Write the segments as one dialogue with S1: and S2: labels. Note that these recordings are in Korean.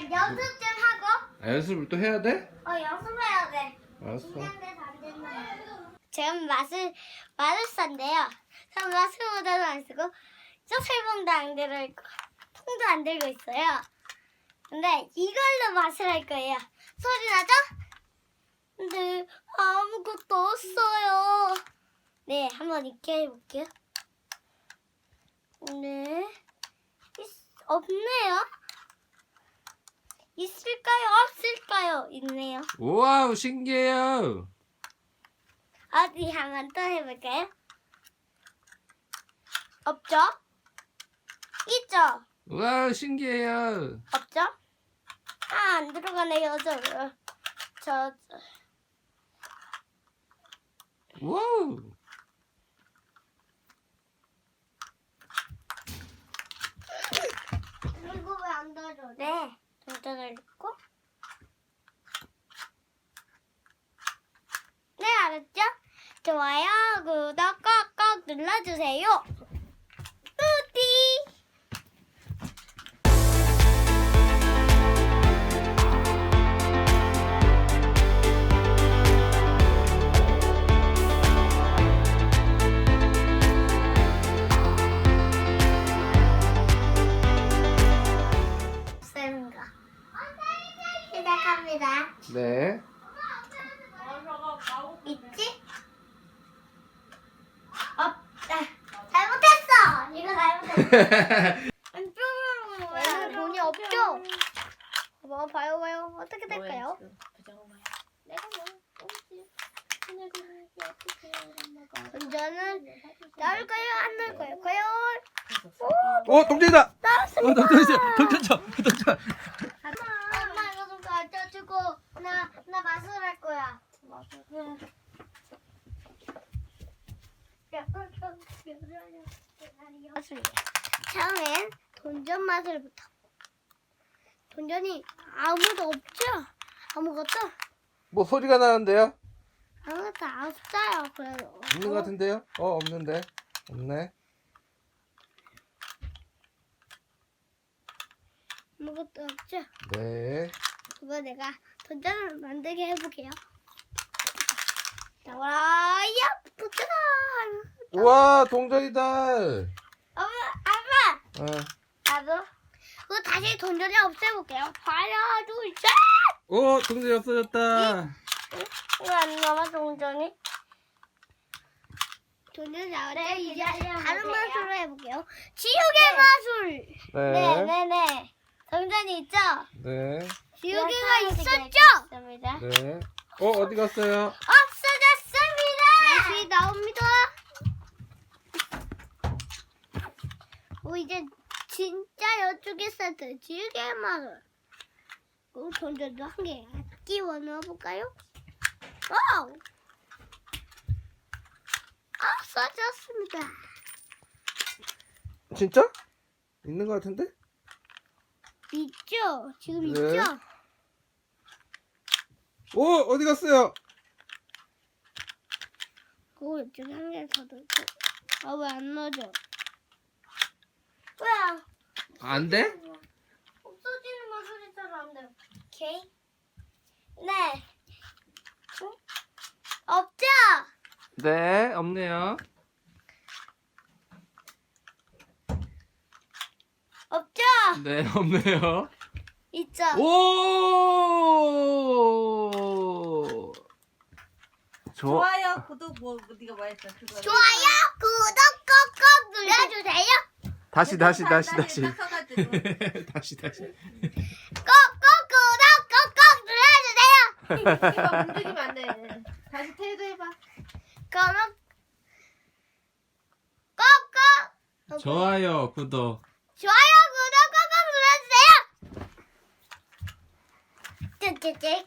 S1: 연습 좀 하고.
S2: 연습을 또 해야 돼?
S1: 연습해야 돼.
S2: 알았어.
S1: 긴장돼서 안 된다. 지금 마술사인데요. 전 마술 모자도 안 쓰고 쪽살봉도 안 들고 통도 안 들고 있어요. 근데 이걸로 마술할 거예요. 소리 나죠? 근데 아무것도 없어요. 네, 한번 있게 해볼게요. 네, 없네요. 있을까요? 없을까요? 있네요.
S2: 우와우, 신기해요.
S1: 어디 한번 또 해볼까요? 없죠? 있죠?
S2: 우와우, 신기해요.
S1: 없죠? 안 들어가네요. 저.
S2: 우와우.
S1: 이거 왜 안 닫아? 네, 동전을 넣고. 네, 알았죠? 좋아요, 구독 꼭꼭 눌러주세요. 뿌띠. 쌤과 시작합니다.
S2: 네.
S1: 있지? 없다. 잘못했어. 이거 잘못했어. 얘는 돈이 없죠? 봐요. 어떻게 될까요? 내가 운전은 나올까요? 안 나올까요? 과연?
S2: 동전이다.
S1: 나왔습니다.
S2: 동전 쳐. 동전.
S1: 엄마 이거 좀 가져주고 나 마술할 거야. 마술. 처음엔 돈전 마술부터. 돈전이 아무도 없죠? 아무것도?
S2: 뭐 소리가 나는데요?
S1: 아무것도 없어요. 그래도
S2: 있는 것 같은데요? 없는데. 없네.
S1: 아무것도 없죠?
S2: 네.
S1: 그거 내가 돈전을 만들게 해볼게요. 나와라, 야, 도전!
S2: 우와, 동전이다.
S1: 엄마, 아빠,
S2: 어.
S1: 나도. 그거 다시 돈전을 없애볼게요. 하나, 둘, 셋!
S2: 오, 동전이 없어졌다.
S1: 이거 안 남아, 돈전이? 돈전 나올 때 이제 다른 마술로 해볼게요. 지옥의 마술!
S2: 네.
S1: 네네네. 동전이 있죠?
S2: 네.
S1: 지옥이가 있었죠?
S2: 네. 어디 갔어요?
S1: 없어졌습니다! 다시 나옵니다. 이제 진짜 이쪽에서 지옥의 마술. 돈전도 한 개 끼워 넣어볼까요? 와우! 없어졌습니다.
S2: 진짜? 있는 것 같은데?
S1: 있죠? 지금
S2: 네.
S1: 있죠?
S2: 어디 갔어요?
S1: 그거 이쪽에 한 개 더 넣고. 왜 안 넣어져? 왜?
S2: 안 돼?
S1: 없어지는 마술이잖아, 안 돼. 오케이. 네. 없죠?
S2: 네, 없네요.
S1: 없죠?
S2: 네, 없네요.
S1: 있죠?
S2: 오!
S3: 좋아요, 구독 네가 말했잖아. 그거.
S1: 좋아요, 구독 꼭꼭 눌러주세요.
S2: 다시.
S3: 딱 서가지고.
S2: 다시.
S1: 꼭꼭 구독 꼭꼭 눌러주세요.
S3: 이거 움직이면 안 돼. 다시 태도 해봐.
S1: 그러면 꼭꼭
S2: 좋아요, 구독.
S1: 좋아요, 구독 꼭꼭 눌러주세요.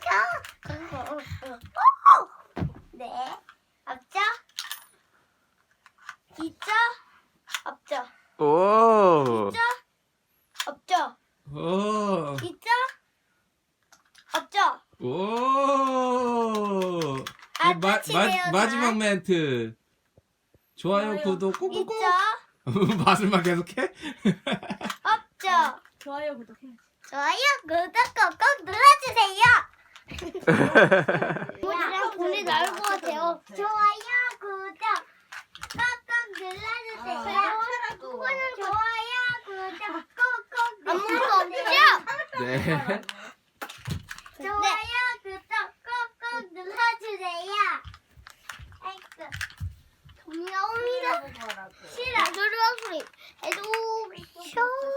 S1: 네, 없죠? 있죠? 없죠?
S2: 오!
S1: 있죠? 없죠?
S2: 오!
S1: 있죠? 없죠?
S2: 오!
S1: 끝이네요,
S2: 마지막
S1: 다.
S2: 멘트. 좋아요, 구독 꾹꾹꾹.
S1: 있죠?
S2: 마술만 계속해?
S1: 없죠?
S3: 좋아요, 구독해.
S1: 좋아요, 구독 꾹꾹 눌러주세요. 이모지랑 돈이 나올 것 같아요. 좋아요, 구독 꾹꾹 눌러주세요. 좋아요, 구독 꾹꾹 아무것도 없죠?
S2: 네.
S1: 좋아요, 구독 꾹꾹 눌러주세요. 아이고, 돈이 나옵니다. 싫어. 노르와 소리 해도 쇼.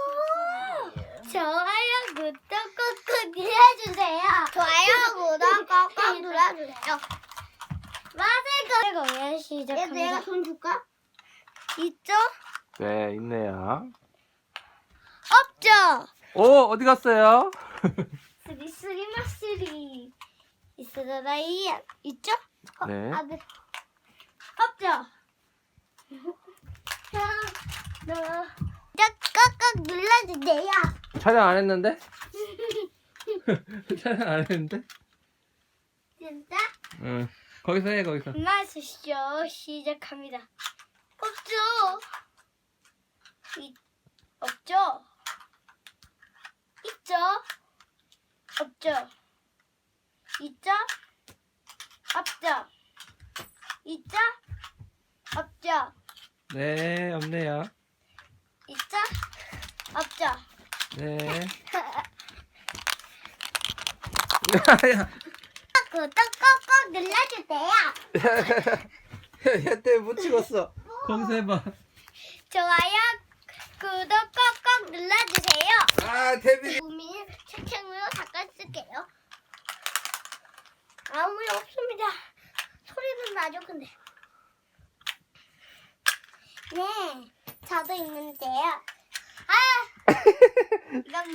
S1: 좋아요, 구독 꾹꾹 눌러주세요. 좋아요, 구독 꾹꾹 눌러주세요. 맛을 공연 시작합니다. 내가 돈 줄까? 있죠?
S2: 네, 있네요.
S1: 없죠?
S2: 오, 어디 갔어요?
S1: 쓰리 마쓰리 있어라이 있죠?
S2: 네.
S1: 아, 네. 없죠? 꾹꾹 눌러주세요.
S2: 촬영 안 했는데? 촬영 안 했는데?
S1: 진짜?
S2: 응. 거기서 해, 거기서.
S1: 마술쇼 시작합니다. 없죠? 없죠? 있죠? 없죠? 있죠? 없죠? 있죠? 없죠?
S2: 네, 없네요.
S1: 있죠? 없죠?
S2: 네.
S1: 구독 꾹꾹 눌러주세요.
S2: 야, 때문에 못 찍었어. 거기서 해봐.
S1: 좋아요, 구독 꾹꾹 눌러주세요.
S2: 아, 태빈이.
S1: 우미는 책상으로 닦아쓸게요. 아무 일 없습니다. 소리는 나죠, 근데. 네, 저도 있는데요. 아! 이건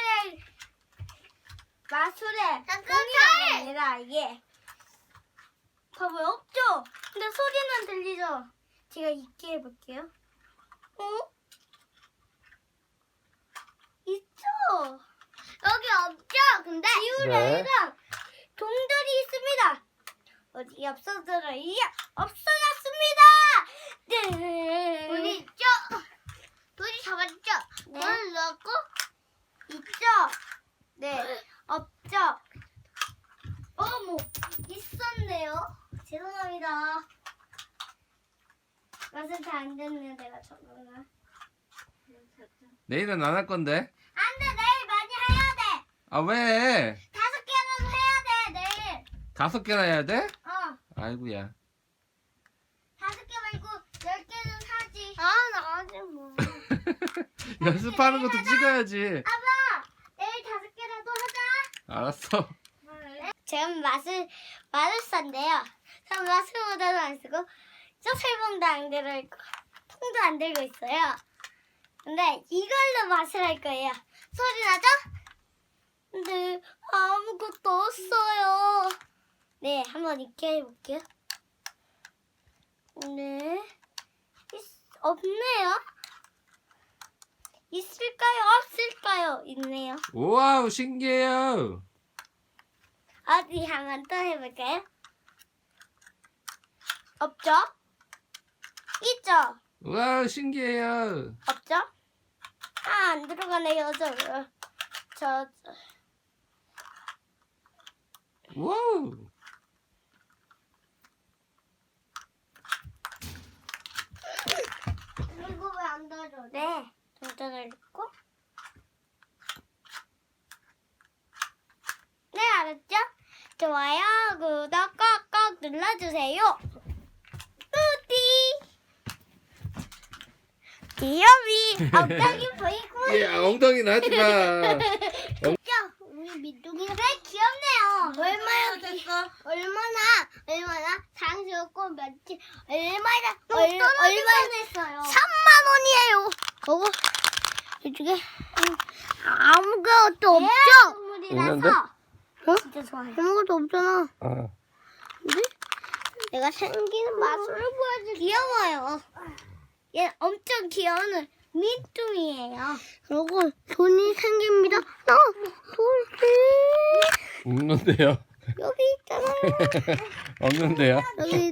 S1: 마술의 공이가 아니라 이게 봐봐요, 없죠? 근데 소리는 들리죠? 제가 있게 해볼게요. 있죠? 여기 없죠? 근데 지우레랑 동들이 있습니다. 어디 없어져요? 없어졌습니다. 네. 돈이 있죠? 돈이 잡았죠? 네. 돈을 넣었고 있죠? 네. 없죠? 어머, 있었네요. 죄송합니다. 맛은 잘 안 됐네, 내가 저거는.
S2: 내일은 안 할 건데.
S1: 안 돼, 내일 많이 해야 돼.
S2: 아, 왜?
S1: 5개라도 해야 돼, 내일.
S2: 5개나 해야 돼?
S1: 어,
S2: 아이고야.
S1: 5개 말고 10개는 하지. 아, 나 아직 뭐.
S2: 연습하는 것도 찍어야지.
S1: 아빠, 내일 5개라도 하자.
S2: 알았어.
S1: 지금 마술사인데요. 저는 마술 모자도 안 쓰고, 쪽살봉도 안 들고, 통도 안 들고 있어요. 근데 이걸로 맛을 할 거예요. 소리 나죠? 근데 아무것도 없어요. 네, 한번 있게 해볼게요. 네, 없네요. 있을까요? 없을까요? 있네요.
S2: 우와우, 신기해요.
S1: 어디 한번 또 해볼까요? 없죠? 있죠?
S2: 우와우, 신기해요.
S1: 없죠? 아, 안 들어가네요, 저.
S2: 우와우.
S1: 이거 왜 안 닫아? 네. 동전을 넣고. 네, 알았죠? 좋아요, 구독 꾹꾹 눌러주세요. 뿌띠. 귀여미. 엉덩이 보이고.
S2: 예, 엉덩이 나지 마.
S1: 자, 우리 민둥이가 되게 귀엽네요. 얼마나 사랑스럽고 며칠 얼마나 했어요. 3만 원이에요. 이쪽에 아무것도 없죠?
S2: 있는데?
S1: 어? 진짜 좋아요. 아무것도 없잖아.
S2: 어.
S1: 근데 내가 생기는 마술을 보여줄게. 귀여워요. 얘 엄청 귀여운 민둥이에요. 그리고 돈이 생깁니다. 돈이
S2: 없는데요.
S1: 여기 있잖아요.
S2: 없는데요.
S1: 여기